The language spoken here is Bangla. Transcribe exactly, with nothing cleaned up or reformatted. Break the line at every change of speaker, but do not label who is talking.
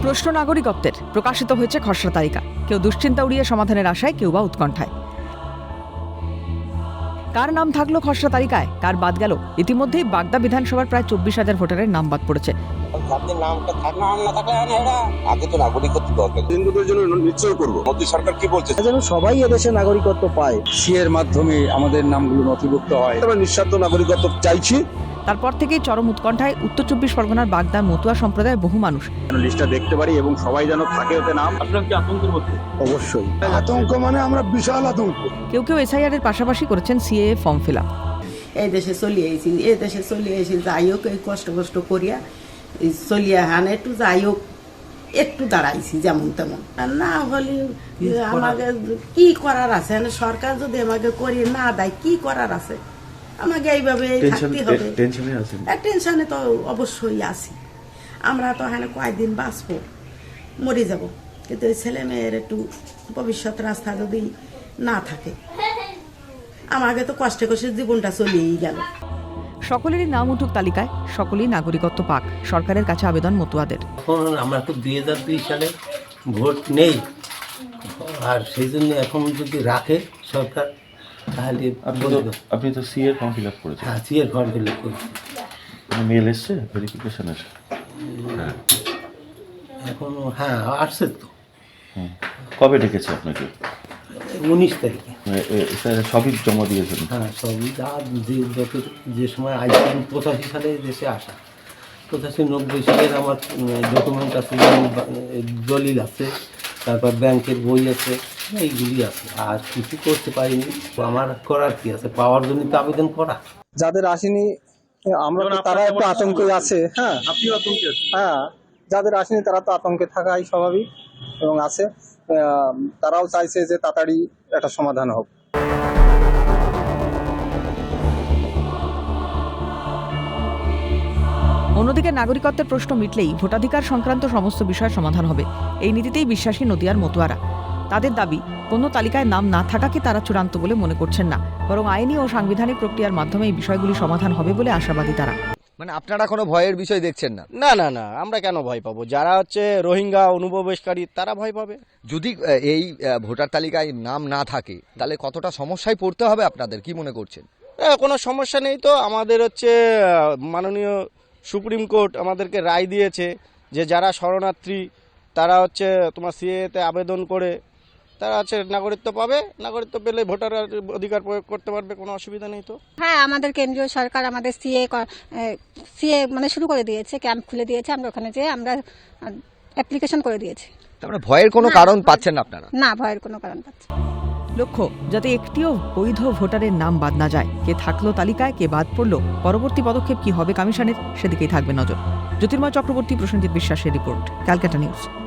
প্রশ্ন নাগরিকত্বের প্রকাশিত হয়েছে খসড়া তালিকা। কেউ দুশ্চিন্তা উড়িয়ে সমাধানের আশায়, কেউ বা উৎকণ্ঠায়। কার নাম থাকলো খসড়া তালিকায়, কার বাদ গেল? ইতিমধ্যেই বাগদা বিধানসভার প্রায় চব্বিশ হাজার ভোটারের নাম বাদ পড়েছে।
সবাই এদেশে নাগরিকত্ব পায়,
সিএর মাধ্যমে আমাদের নামগুলো নথিভুক্ত হয়।
আমরা নিঃস্বার্থ নাগরিকত্ব চাইছি।
তারপর থেকেই চরম উৎকণ্ঠায় উত্তর চব্বিশ পরগনার বাগদার মতুয়া সম্প্রদায়ের বহু মানুষ।
লিস্টটা দেখতে পারি এবং সবাই যেন থাকে ওতে নাম।
আপনার কি আতঙ্কের মধ্যে?
অবশ্যই আতঙ্ক, মানে আমরা বিশাল আতঙ্ক।
কেউ কেউ এসআইআর এর পাশাপাশি করেছেন সিএএ ফর্ম ফিল আপ।
এই দেশে চলিয়ে আইছি, এই দেশে চলিয়ে আইছি, যাই হোক এই কষ্ট কষ্ট করিয়া চলিয়া হান একটু যাই হোক একটু দাঁড়াইছি যেমন তেমন। আর না হলে আমাকে কি করার আছে, সরকার যদি আমাকে করিয়ে না দেয় কি করার আছে? আমাকে এইভাবে থাকতে হবে। টেনশনে তো অবশ্যই আছি। আমরা তো এখানে কয়েকদিন বাঁচবো, মরে যাব, কিন্তু এই ছেলে মেয়ের একটু ভবিষ্যৎ রাস্তা যদি না থাকে, আমাকে তো কষ্টে কষ্টে জীবনটা চলেই গেল।
সকলেরই নাম উঠুক তালিকায়, সকলেই নাগরিকত্ব পাক, সরকারের কাছে আবেদন মতুয়াদের।
এখন আমরা তো দুই হাজার দুই সালে ভোট নেই, আর সেই জন্য এখন যদি রাখে সরকার তাহলে
আপনি তো সি এর ফর্ম ফিল আপ করেছেন?
হ্যাঁ, সি এর ফর্ম ফিল আপ করেছি।
মেল এসছে ভেরিফিকেশন এসে?
হ্যাঁ এখন হ্যাঁ আসছে তো।
কবে ডেকেছে আপনাকে?
উনিশ তারিখে।
স্যার সবই জমা দিয়েছেন?
হ্যাঁ সবই, যা যে যত যে সময় আইসি পঁচাশি সালে দেশে আসা, পঁচাশি নব্বই সালের আমার ডকুমেন্ট আছে, দলিল আছে, তারপর ব্যাংকের বই আছে, এইগুলি আছে। আর কিছু করতে পারিনি। আমার করার কি আছে? পাওয়ার জন্য তো আবেদন করা।
যাদের আসেনি আমরা তো, তারা একটু আতঙ্কে আছে। হ্যাঁ,
আপনি আতঙ্কে আছেন?
হ্যাঁ, যাদের আসেনি তারা তো আতঙ্কে থাকাই স্বাভাবিক এবং আছে। তারাও চাইছে যে তাড়াতাড়ি একটা সমাধান হোক।
অন্যদিকে নাগরিকত্বের প্রশ্ন মিটলেই ভোটাধিকার সংক্রান্ত সমস্ত বিষয়ের সমাধান হবে, এই নীতিতেই বিশ্বাসী নদিয়ার মতুয়ারা। তাদের দাবি, কোনো তালিকায় নাম না থাকাকে তারা চূড়ান্ত বলে মনে করছেন না, বরং আইনি ও সাংবিধানিক প্রক্রিয়ার মাধ্যমে এই বিষয়গুলি সমাধান হবে বলে আশাবাদী তারা।
মানে আপনারা কোনো ভয়ের বিষয় দেখছেন না?
না না না, আমরা কেন ভয় পাবো? যারা হচ্ছে রোহিঙ্গা অনুপ্রবেশকারী তারা ভয় পাবে।
যদি এই ভোটার তালিকায় নাম না থাকে তাহলে কতটা সমস্যায় পড়তে হবে আপনাদের, কি মনে করছেন?
কোনো সমস্যা নেই তো। আমাদের হচ্ছে মাননীয় সুপ্রিম কোর্ট আমাদেরকে রায় দিয়েছে যে যারা শরণার্থী তারা হচ্ছে তোমার সিএতে আবেদন করে তারা হচ্ছে নাগরিকত্ব পাবে, নাগরিকত্ব পেলে ভোটার অধিকার প্রয়োগ করতে পারবে, কোনো অসুবিধা নেই তো।
হ্যাঁ, আমাদের কেন্দ্রীয় সরকার আমাদের সিএ সিএ মানে শুরু করে দিয়েছে, ক্যাম্প খুলে দিয়েছে, আমরা ওখানে যেয়ে আমরা অ্যাপ্লিকেশন করে দিয়েছি।
তার মানে ভয়ের কোনো কারণ পাচ্ছেন না আপনারা?
না, ভয়ের কোনো কারণ পাচ্ছি।
লক্ষ্য, যাতে একটিও বৈধ ভোটারের নাম বাদ না যায়। কে থাকলো তালিকায়, কে বাদ পড়লো, পরবর্তী পদক্ষেপ কি হবে কমিশনের, সেদিকেই থাকবে নজর। জ্যোতির্ময় চক্রবর্তী, প্রসেনজিৎ বিশ্বাসের রিপোর্ট, ক্যালকাটা নিউজ।